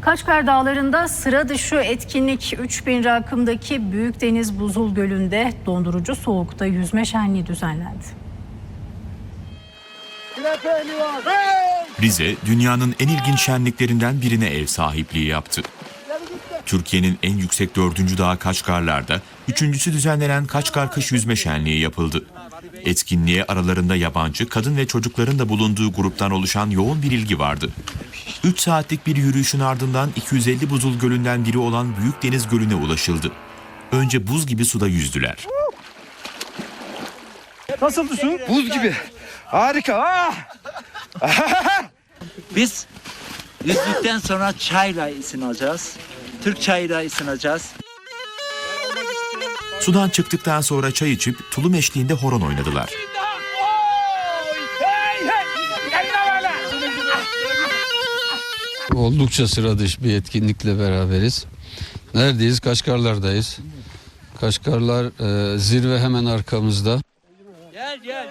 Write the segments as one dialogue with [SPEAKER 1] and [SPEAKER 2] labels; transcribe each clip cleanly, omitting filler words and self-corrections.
[SPEAKER 1] Kaçkar Dağları'nda sıra dışı etkinlik 3000 rakımdaki Büyükdeniz Buzul Gölü'nde dondurucu soğukta yüzme şenliği düzenlendi.
[SPEAKER 2] Rize, dünyanın en ilginç şenliklerinden birine ev sahipliği yaptı. Türkiye'nin en yüksek 4. dağı Kaçkarlar'da 3.'sü düzenlenen Kaçkar Kış Yüzme Şenliği yapıldı. Etkinliğe aralarında yabancı, kadın ve çocukların da bulunduğu gruptan oluşan yoğun bir ilgi vardı. 3 saatlik bir yürüyüşün ardından 250 buzul gölünden biri olan Büyükdeniz Gölü'ne ulaşıldı. Önce buz gibi suda yüzdüler.
[SPEAKER 3] Nasıldı su? Buz gibi. Harika.
[SPEAKER 4] Biz yüzdükten sonra çayla ısınacağız. Türk çayıyla ısınacağız.
[SPEAKER 2] Sudan çıktıktan sonra çay içip tulum eşliğinde horon oynadılar.
[SPEAKER 5] Oldukça sıra dışı bir etkinlikle beraberiz. Neredeyiz? Kaçkarlar'dayız. Kaçkarlar zirve hemen arkamızda.
[SPEAKER 4] Gel.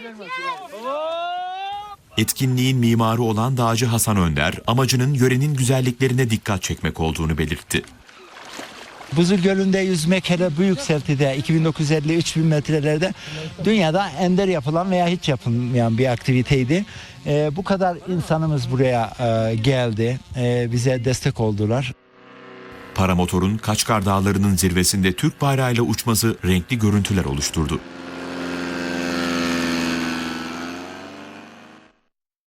[SPEAKER 2] Etkinliğin mimarı olan dağcı Hasan Önder, amacının yörenin güzelliklerine dikkat çekmek olduğunu belirtti.
[SPEAKER 6] Buzul Gölü'nde yüzmek, hele büyük sertide 2950-3000 metrelerde dünyada ender yapılan veya hiç yapılmayan bir aktiviteydi. Bu kadar insanımız buraya geldi, bize destek oldular.
[SPEAKER 2] Paramotorun Kaçkar Dağları'nın zirvesinde Türk bayrağıyla uçması renkli görüntüler oluşturdu.